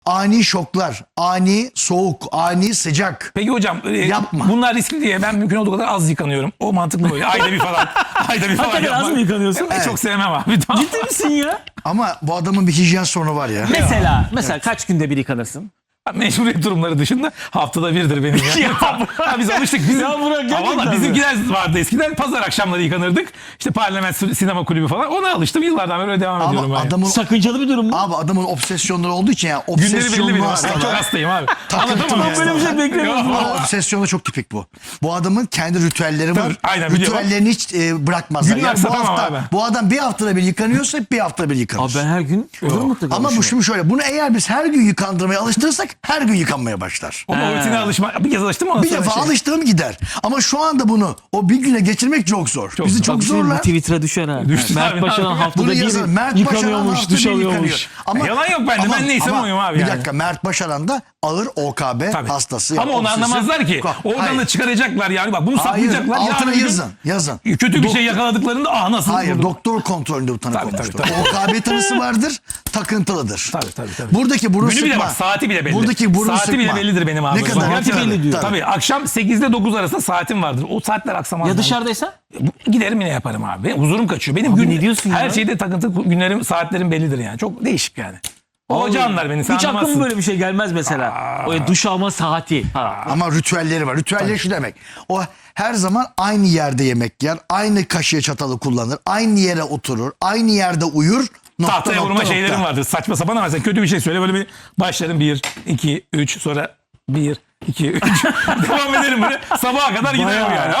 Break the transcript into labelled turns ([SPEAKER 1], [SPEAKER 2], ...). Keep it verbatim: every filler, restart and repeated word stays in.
[SPEAKER 1] Ani şoklar, ani soğuk, ani sıcak.
[SPEAKER 2] Peki hocam e,
[SPEAKER 1] Yapma.
[SPEAKER 2] bunlar riskli diye ben mümkün olduğu kadar az yıkanıyorum. O mantıklı böyle. Ayda bir falan. Ayda bir falan
[SPEAKER 3] Hakikaten az
[SPEAKER 2] yapmak.
[SPEAKER 3] mı yıkanıyorsun?
[SPEAKER 2] Evet. Çok sevmem abi. Tamam.
[SPEAKER 3] Ciddi misin ya?
[SPEAKER 1] Ama bu adamın bir hijyen sorunu var ya.
[SPEAKER 3] Mesela, mesela kaç günde bir yıkanırsın?
[SPEAKER 2] Mecburiyet durumları dışında haftada birdir benim ya. ya biz alıştık. Bizim,
[SPEAKER 3] Ya bırak, gerçekten
[SPEAKER 2] valla
[SPEAKER 3] mi?
[SPEAKER 2] bizimkiler vardı eskiden. Pazar akşamları yıkanırdık. İşte Parlament Sinema Kulübü falan. Ona alıştım. Yıllardan beri öyle devam ediyorum.
[SPEAKER 1] Ama
[SPEAKER 2] ben.
[SPEAKER 1] adamın
[SPEAKER 3] Sakıncalı bir durum mu?
[SPEAKER 1] abi adamın obsesyonları olduğu için ya
[SPEAKER 2] Günleri belli
[SPEAKER 1] obsesyonlu
[SPEAKER 2] benim abi. Ben
[SPEAKER 1] hastalar.
[SPEAKER 2] çok hastayım abi.
[SPEAKER 1] Takıntı
[SPEAKER 2] Anlatamam
[SPEAKER 1] mı?
[SPEAKER 2] ya.
[SPEAKER 3] Böyle bir şey beklemiyordum.
[SPEAKER 2] Yok.
[SPEAKER 1] Ama obsesyonu çok tipik bu. Bu adamın kendi ritüelleri var.
[SPEAKER 2] Tabii, aynen, biliyorum.
[SPEAKER 1] Ritüellerini hiç e, bırakmazlar.
[SPEAKER 2] Günler
[SPEAKER 1] Yani bu
[SPEAKER 2] satamam
[SPEAKER 1] hafta
[SPEAKER 2] abi.
[SPEAKER 1] bu adam bir haftada bir yıkanıyorsa bir haftada bir yıkanır.
[SPEAKER 3] Abi ben her gün olur mutlaka.
[SPEAKER 1] Ama bu şimdi şöyle, bunu eğer biz her gün yıkandırmaya alıştırırsak her gün yıkanmaya başlar.
[SPEAKER 2] Ama o rutine alışma. Bir kez alıştım mı?
[SPEAKER 1] Bir defa alıştığım gider. Ama şu anda bunu o bir güne geçirmek çok zor.
[SPEAKER 2] Çok
[SPEAKER 1] Bizi
[SPEAKER 2] zor.
[SPEAKER 1] çok
[SPEAKER 3] Bak,
[SPEAKER 1] zorlar.
[SPEAKER 3] Twitter'a düşen ha.
[SPEAKER 2] Düştü
[SPEAKER 3] Mert
[SPEAKER 2] abi,
[SPEAKER 3] Başaran
[SPEAKER 2] abi.
[SPEAKER 3] haftada
[SPEAKER 1] Bunu
[SPEAKER 3] bir
[SPEAKER 1] yazın. Mert Başaran
[SPEAKER 3] yıkanıyormuş,
[SPEAKER 1] haftada
[SPEAKER 3] duş
[SPEAKER 1] bir
[SPEAKER 3] alıyormuş.
[SPEAKER 1] yıkanıyor.
[SPEAKER 2] Yalan yok bende. Ben neysem
[SPEAKER 1] ama
[SPEAKER 2] oyum abi
[SPEAKER 1] Bir
[SPEAKER 2] yani.
[SPEAKER 1] dakika, Mert Başaran da ağır O K B
[SPEAKER 2] Tabii.
[SPEAKER 1] hastası.
[SPEAKER 2] Ama
[SPEAKER 1] Yani
[SPEAKER 2] onu
[SPEAKER 1] obsesif.
[SPEAKER 2] anlamazlar ki.
[SPEAKER 1] Hayır.
[SPEAKER 2] Oradan da çıkaracaklar yani. Bak bunu
[SPEAKER 1] Hayır,
[SPEAKER 2] saklayacaklar.
[SPEAKER 1] altına
[SPEAKER 2] Yarın bir gün
[SPEAKER 1] yazın. Yazın.
[SPEAKER 2] Kötü bir şey yakaladıklarında ah nasıl?
[SPEAKER 1] Hayır,
[SPEAKER 2] buldum?
[SPEAKER 1] doktor kontrolünde bu tanı
[SPEAKER 2] Tabii,
[SPEAKER 1] konmuştur.
[SPEAKER 2] tabii, tabii.
[SPEAKER 1] O K B tanısı vardır, takıntılıdır.
[SPEAKER 2] Tabii, tabii, tabii.
[SPEAKER 1] Buradaki burun
[SPEAKER 2] Günü
[SPEAKER 1] sıkma.
[SPEAKER 2] bile bak, saati bile belli.
[SPEAKER 1] Buradaki burun
[SPEAKER 2] saati
[SPEAKER 1] sıkma.
[SPEAKER 2] bile bellidir benim abi.
[SPEAKER 1] Ne kadar?
[SPEAKER 3] Saati
[SPEAKER 1] ne kadar?
[SPEAKER 3] belli diyor.
[SPEAKER 2] Tabii akşam sekizde dokuz arasında saatim vardır. O saatler aksamaz.
[SPEAKER 3] Ya
[SPEAKER 2] yani.
[SPEAKER 3] dışarıdaysa?
[SPEAKER 2] Giderim yine yaparım abi. Benim huzurum kaçıyor. Benim
[SPEAKER 3] Abi
[SPEAKER 2] gün,
[SPEAKER 3] ne diyorsun
[SPEAKER 2] her
[SPEAKER 3] ya?
[SPEAKER 2] şeyde takıntı günlerim, saatlerim bellidir yani. Çok değişik yani. O hoca anlar beni. Sen
[SPEAKER 3] Hiç aklıma
[SPEAKER 2] anlamazsın.
[SPEAKER 3] böyle bir şey gelmez mesela. O duş alma saati. Ha.
[SPEAKER 1] Ama ritüelleri var. Ritüelleri şu demek. O her zaman aynı yerde yemek yer, aynı kaşığı çatalı kullanır, aynı yere oturur, aynı yerde uyur. Nokta,
[SPEAKER 2] Tahtaya
[SPEAKER 1] nokta,
[SPEAKER 2] vurma
[SPEAKER 1] nokta.
[SPEAKER 2] şeylerim vardır. Saçma sapan ama sen kötü bir şey söyle. Böyle bir başlarım bir, iki, üç sonra bir, iki, üç. Devam ederim böyle. Sabaha kadar giderim
[SPEAKER 3] Bayağı.
[SPEAKER 2] yani.